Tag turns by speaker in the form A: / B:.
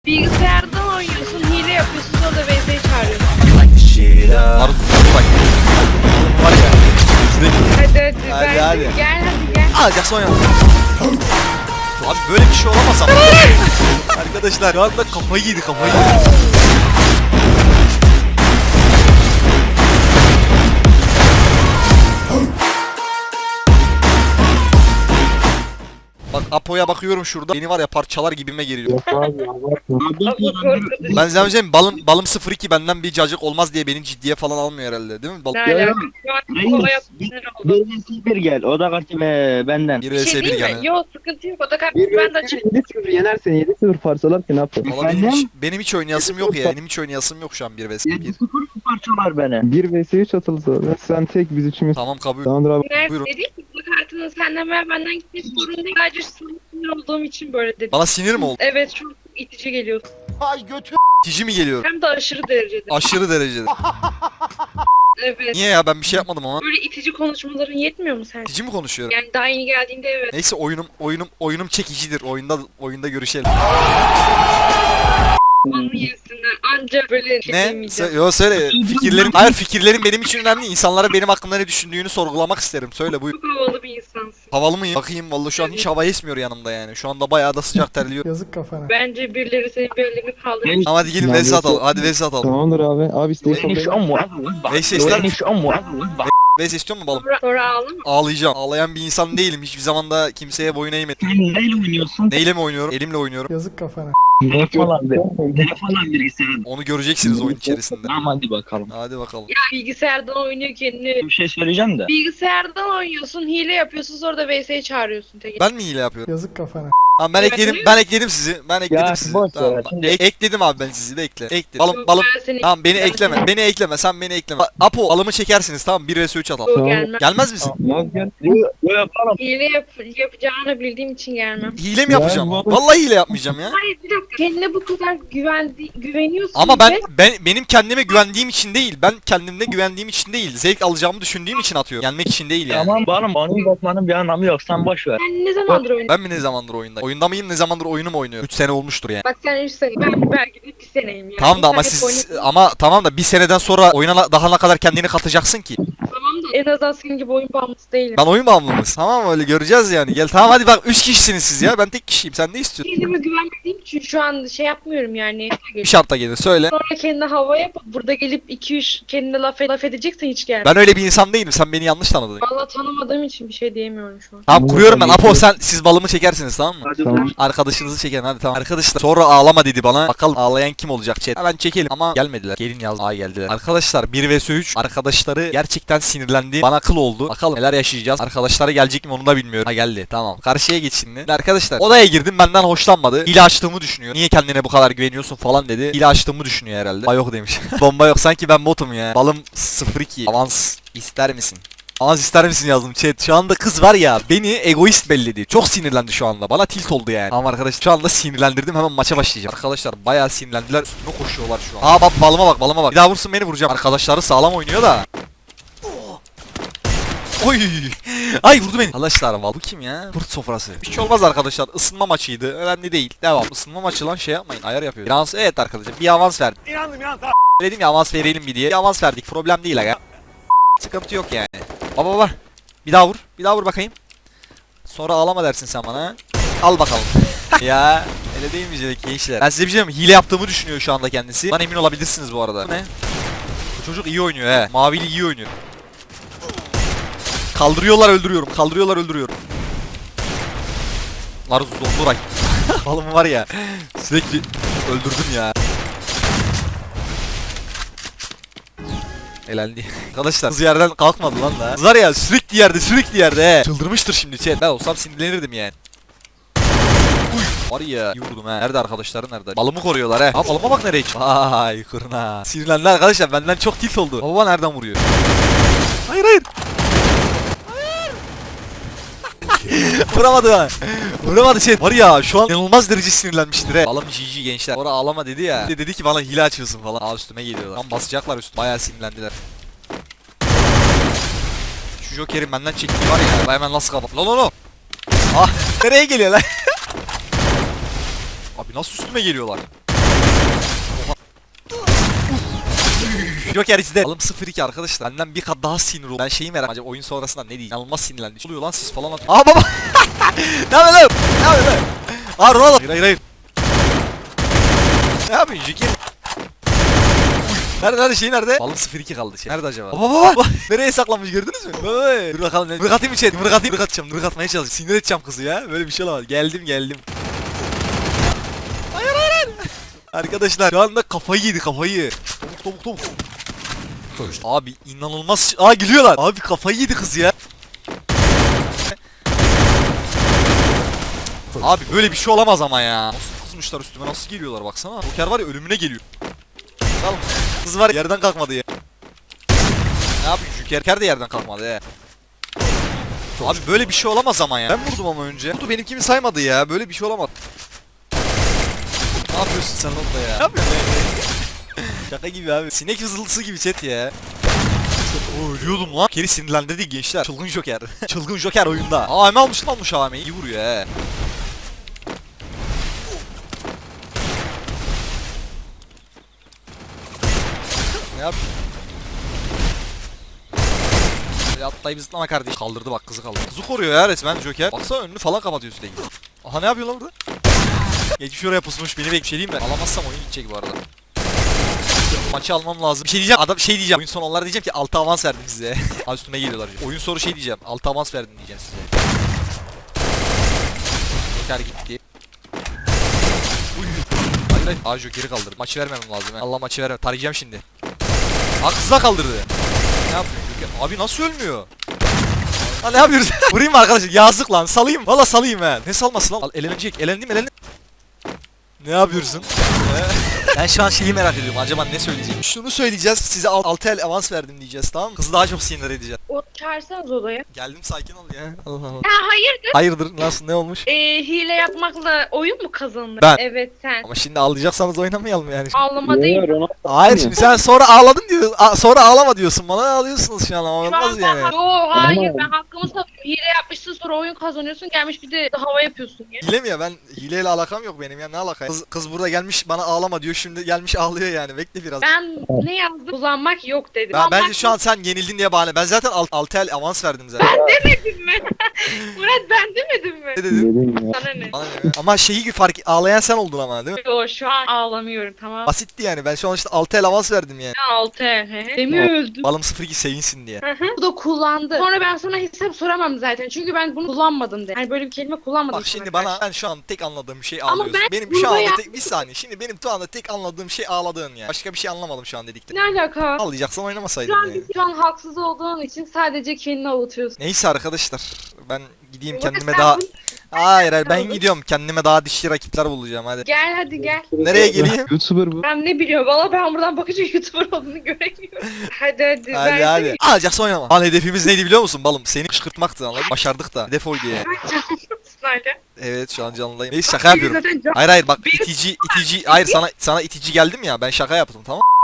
A: Bilgisayardan oynuyorsun, hile yapıyorsun, sonra da VS'yi çağırıyorsun.
B: Arzu bak. Var ya.
A: Hadi
B: Hadi,
A: ben
B: hadi.
A: gel hadi gel.
B: Jackson ya. Abi böyle bir şey olamaz ama. Arkadaşlar şu anda kafayı yedi. Bak Apo'ya bakıyorum şurada. Beni var ya parçalar gibime geliyor. Ben size söyleyeyim balım 02 benden bir cacık olmaz diye beni ciddiye falan almıyor herhalde değil mi?
A: Ne alaka? Şu an kolay yapmışlar oldu.
C: Bir gel. O da kaçtı benden.
B: 1
A: Bir
B: vs
A: şey
B: 1
A: değil mi?
B: yani.
A: Yok sıkıntı yok. O da kalp ben de açayım.
D: 7-0 yenersen 7-0 parçalar ki ne yapacak?
B: Valla benim hiç oynayasım yok ya. Benim hiç oynayasım yok şu an 1 vs 1.
C: 7-0 parçalar beni.
D: 1 vs 3 atılsa sen tek biz üçümüz.
B: Tamam kabul.
D: Tamamdır abi.
B: Buyurun.
A: Nerede değil ki bu kartının senden veya benden gitmek zorunda değil. Sadece sana sinir olduğum için böyle dedim.
B: Bana sinir mi oldu?
A: Evet çok itici geliyor.
B: Tici mi geliyor?
A: Hem de aşırı derecede.
B: Aşırı derecede.
A: Evet.
B: Niye ya ben bir şey yapmadım ama.
A: Böyle itici konuşmaların yetmiyor mu sen?
B: Tici mi konuşuyorum?
A: Yani daha yeni geldiğinde evet.
B: Neyse oyunum çekicidir. Oyunda görüşelim.
A: Onu yesinler. Ancak böyle şey
B: Ne?
A: demeyeceğim.
B: Yo söyle. Fikirlerin benim için önemli. İnsanlara benim hakkımda ne düşündüğünü sorgulamak isterim. Söyle buyur.
A: Çok havalı bir insansın.
B: Havalı mıyım? Bakayım vallahi şu an hiç hava esmiyor yanımda yani. Şu anda bayağı da sıcak terliyor.
E: Yazık kafana.
A: Bence birileri senin bellerini kaldırır.
B: Ama hadi gelin
D: Ya,
B: vs atalım. Hadi vs atalım.
D: Tamamdır abi. Abi isteği
C: Neyse
D: kabul
C: o mu?
B: Neyse ister misin?
C: o mu?
B: Vs istiyor musun balım?
A: Sonra ağlama.
B: Ağlayacağım. Ağlayan bir insan değilim. Hiçbir zaman da kimseye boyun eğmedim.
C: Sen neyle oynuyorsun?
B: Neyle mi oynuyorum? Elimle oynuyorum.
E: Yazık kafana.
C: Ne falan bilgisayar.
B: Onu göreceksiniz oyun içerisinde.
C: Tamam hadi bakalım.
B: Hadi bakalım.
A: Ya bilgisayardan oynuyor kendini.
C: Bir şey söyleyeceğim de.
A: Bilgisayardan oynuyorsun, hile yapıyorsun, sonra da VS'yi çağırıyorsun. Tek.
B: Ben mi hile yapıyorum?
E: Yazık kafana.
B: Tamam ben
A: Evet,
B: ekledim.
A: öyle
B: Ben ekledim sizi. Ben ekledim
C: Ya,
B: sizi.
C: boş ver
B: Tamam.
C: ya, şimdi-
B: Ekledim abi ben sizi. Bekle. Ekle. Balım
A: Yok,
B: balım.
A: ben seni-
B: Tamam beni
A: ben
B: ekleme.
A: seni-
B: Beni ekleme. Sen beni ekleme. Apo balımı çekersiniz tamam 1 vs 3 atalım.
A: Yok,
D: Tamam.
A: gelmem.
B: Gelmez misin?
D: Yaz gel.
C: Bu yapalım.
A: Hile yapacağını bildiğim için gelmem.
B: Hile mi
D: Ya,
B: yapacağım?
D: bu-
B: Vallahi hile yapmayacağım ya.
A: Hayır bir dakika. Kendine bu kadar güveniyorsun.
B: Ama
A: ve
B: benim kendime güvendiğim için değil. Ben kendimde güvendiğim için değil. Zevk alacağımı düşündüğüm için atıyorum. Yenmek için değil yani.
C: Tamam bana onu bakmanın bir anlamı yok. Sen boş ver.
A: Sen ne zamandır oynuyorsun?
B: Ben mi ne zamandır oyunda? Oyunda mıyım? Ne zamandır oyunu mu oynuyorum? 3 sene olmuştur yani.
A: Bak sen 3 sene. Ben belki de 1 seneyim yani.
B: Tamam da ama
A: Sen hep
B: siz
A: oynadın.
B: ama tamam da bir seneden sonra oyuna daha ne kadar kendini katacaksın ki?
A: Tamam da en azından senin gibi oyun bağımlısı değilim.
B: Ben oyun bağımlımız. Tamam öyle göreceğiz yani. Gel tamam hadi bak 3 kişisiniz siz ya. Ben tek kişiyim. Sen ne istiyorsun?
A: Kendime güvenmediğim için şu an şey yapmıyorum yani.
B: Bir şartla gelin söyle.
A: Sonra kendine hava yapıp burada gelip 2-3 kendine laf edeceksen hiç gelme.
B: Ben öyle bir insan değilim. Sen beni yanlış tanıdın.
A: Valla tanımadığım için bir şey diyemiyorum şu an.
B: Tamam kuruyorum ben. Apo siz balımı çekersiniz tamam mı?
D: Tamam.
B: Arkadaşınızı çekin hadi tamam. Arkadaşlar sonra ağlama dedi bana. Bakalım ağlayan kim olacak chat. Hemen çekelim ama gelmediler. Gelin yaz. Aa geldiler. Arkadaşlar 1 vs 3 arkadaşları gerçekten sinirlendi. Bana kıl oldu. Bakalım neler yaşayacağız. Arkadaşları gelecek mi onu da bilmiyorum. Ha geldi tamam. Karşıya geç şimdi. Arkadaşlar odaya girdim benden hoşlanmadı. Hile açtığımı düşünüyor. Niye kendine bu kadar güveniyorsun falan dedi. Hile açtığımı düşünüyor herhalde. Bomba yok demiş. Bomba yok sanki ben botum ya. Balım 02. Avans ister misin? Avans ister misin yazdım chat. Şu anda kız var ya beni egoist belledi. Çok sinirlendi şu anda. Bana tilt oldu yani. Tamam arkadaşlar şu anda sinirlendirdim. Hemen maça başlayacağım. Arkadaşlar bayağı sinirlendiler. Üstüme koşuyorlar şu an. Aa bak balıma bak. Bir daha vursun beni vuracağım. Arkadaşları sağlam oynuyor da. Oy! Ay vurdu beni. Arkadaşlar bu kim ya? Kurt sofrası. Bir şey olmaz arkadaşlar. Isınma maçıydı. Önemli değil. Devam. Isınma maçı lan şey yapmayın. Ayar yapıyor. Bir avans evet arkadaşlar. Bir avans verdim. Dedim ya avans verelim bir diye. Bir avans verdik. Problem değil aga. Sıkıntı yok yani. Baba. Bir daha vur. Bir daha vur bakayım. Sonra ağlama dersin sen bana. Al bakalım. Ya öyle değil mi gençler? Ben size bir şey diyeyim mi? Hile yaptığımı düşünüyor şu anda kendisi. Bundan emin olabilirsiniz bu arada. Bu ne? Bu çocuk iyi oynuyor he. Mavili iyi oynuyor. Kaldırıyorlar öldürüyorum. Var Zonduray. Balım var ya. Sürekli öldürdüm ya. Elendi. Arkadaşlar kız yerden kalkmadı lan da. Kız var ya sürekli yerde he. Çıldırmıştır şimdi chat. Ben olsam sinirlenirdim yani. Uy. Var ya iyi vurdum he. Nerede arkadaşları nerede? Balımı koruyorlar he. Ha balıma bak nereye çıktı. Vay kurna. Sinirlendi arkadaşlar benden çok tilt oldu. Baba nereden vuruyor? Hayır. Vuramadı ha. Vuramadı şey. Var ya şu an inanılmaz derece sinirlenmiştir he. Balım GG gençler. Sonra ağlama dedi ya. Dedi ki bana hile açıyorsun falan. Aa üstüme geliyorlar. Tam basacaklar üstüme. Bayağı sinirlendiler. Şu Joker'in benden çektiği var ya. Ben hemen nasıl kapat. No. Ah nereye geliyor lan? Abi nasıl üstüme geliyorlar? Joker izle. Alım 0-2 arkadaşlar. Benden bir kat daha sinir oldu. Ben şeyi merak acaba oyun sonrasında ne diyeyim? İnanılmaz sinirlendi. Ne oluyor lan siz falan at. Aa baba. Ne yapıyorsun lan? Ne yapıyorsun lan? Aa Ronaldo. Hayır. Ne yapıyorsun Joker? Nerede şey nerede? Balım 0-2 kaldı şey. Nerede acaba? Baba. Nereye saklanmış gördünüz mü? Baba. Dur bakalım. Mırık atayım içeri. Mırık atacağım. Mırık atmaya çalışacağım. Sinir edeceğim kızı ya. Böyle bir şey olamaz. Geldim. Hayır. Arkadaşlar şu anda kafayı yedi kafayı. Topuk. Abi inanılmaz. Aa gülüyorlar. Abi kafayı yedi kız ya. Abi böyle bir şey olamaz ama ya. Nasıl kızmışlar üstüme nasıl geliyorlar baksana. Joker var ya ölümüne geliyor. Al. Kız var yerden kalkmadı ya. Ne yapayım Joker de yerden kalkmadı ya. Abi böyle bir şey olamaz ama ya. Ben vurdum ama önce. Vurdu benimkini saymadı ya. Böyle bir şey olamaz. Ne yapıyorsun sen orada ya? Ne yapıyorsun ya? Şaka gibi abi. Sinek vızıltısı gibi chat ya. Ölüyordum lan. Geri sinirlendirdi gençler. Çılgın Joker. Çılgın Joker oyunda. AM almış AM'yi. İyi vuruyor he. Ne yap? Atlayıp zıplama kardeş. Kaldırdı bak kızı kaldırdı. Kızı koruyor ya resmen Joker. Baksana önünü falan kapatıyor sürekli. Aha ne yapıyor lan burada? Geçmiş oraya pusmuş beni bir şey diyeyim mi? Alamazsam oyun gidecek bu arada. Maçı almam lazım. Bir şey diyeceğim. Adam şey diyeceğim. Oyun sonu onlara diyeceğim ki 6 avans verdim size. Abi üstüme geliyorlar. Oyun soru şey diyeceğim. 6 avans verdim diyeceğim size. Joker gitti. Hayır. Aa Joker'i kaldırdı. Maçı vermemem lazım. Allah maçı vermem. Tarayacağım şimdi. Aa kızla kaldırdı. Ne yapıyor Joker? Abi nasıl ölmüyor? Ha ne yapıyoruz? Vurayım mı arkadaşlar? Yazık lan. Salayım. Valla salayım he. Ne salması lan? Al elenecek. Elendim. Ne yapıyorsun? Ben şu an şeyi merak ediyorum. Acaba ne söyleyecek? Şunu söyleyeceğiz. Size 6 el avans verdim diyeceğiz, tamam mı? Kızı daha çok sinir edeceğiz.
A: O çağırsanız odaya.
B: Geldim sakin ol ya. Allah Allah.
A: Ha hayırdır?
B: Hayırdır? Nasıl? Ne olmuş?
A: Hile yapmakla oyun mu kazanılır?
B: Ben.
A: Evet sen.
B: Ama şimdi ağlayacaksanız oynamayalım yani.
A: Ağlama değil.
B: Hayır şimdi sen sonra ağladın diyor. Sonra ağlama diyorsun. Bana ağlıyorsunuz şu an ama
A: Şu an
B: olmaz yani.
A: Yo hayır ben hakkımı savunuyorum. Hile yapmışsın sonra oyun kazanıyorsun gelmiş bir de hava yapıyorsun ya.
B: Hile mi ya? Ben hileyle alakam yok benim ya. Ne alaka? Kız burada gelmiş bana ağlama diyor. Şimdi gelmiş ağlıyor yani. Bekle biraz.
A: Ben ne yazdım? Kullanmak yok dedim.
B: Bence şu an sen yenildin diye bahane. Ben zaten 6 el avans verdim zaten.
A: Demedim mi? Murat ben demedim mi?
B: Ne dedim?
D: Dedim ya.
A: Sana ne?
B: Bana ne? Ama şeyi fark ağlayan sen oldun ama değil mi?
A: Yo şu an ağlamıyorum tamam.
B: Basitti yani. Ben şu an işte 6 el avans verdim yani.
A: 6 Demi öldü.
B: Balım 02 sevinsin diye.
A: Bu da kullandı. Sonra ben sana hesap soramam zaten. Çünkü ben bunu kullanmadım de. Yani böyle bir kelime kullanmadım.
B: Bak
A: sana
B: şimdi
A: karşı.
B: bana ben şu an tek anladığım şey
A: Ama
B: ağlıyorsun.
A: ben
B: Benim şu
A: burada
B: anda tek bir saniye. Şimdi benim şu anda tek anladığım şey ağladığın yani. Başka bir şey anlamadım şu an dedikten.
A: Ne alaka?
B: Ağlayacaksan oynamasaydın yani.
A: Şu an haksız olduğun için sadece kendini avutuyorsun.
B: Neyse arkadaşlar. Ben gideyim
A: Murat,
B: kendime
A: sen
B: daha...
A: bunu-
B: Hayır ben
A: Kaldın.
B: gidiyorum. Kendime daha dişli rakipler bulacağım hadi.
A: Gel hadi gel.
B: Nereye geleyim?
D: YouTuber bu.
A: Ben ne biliyorum valla ben buradan bakınca YouTuber olduğunu göremiyorum. Hadi
B: Hadi
A: versene.
B: hadi. Alacaksa oynama. Lan hedefimiz neydi biliyor musun balım? Seni kışkırtmaktı anladın mı? Başardık da. Hedef oydu yani.
A: Hala.
B: Evet şu an canlıdayım. Neyse şaka yapıyorum.
A: Zaten can-
B: Hayır bak
A: Bir-
B: itici hayır sana itici geldim ya ben şaka yaptım tamam.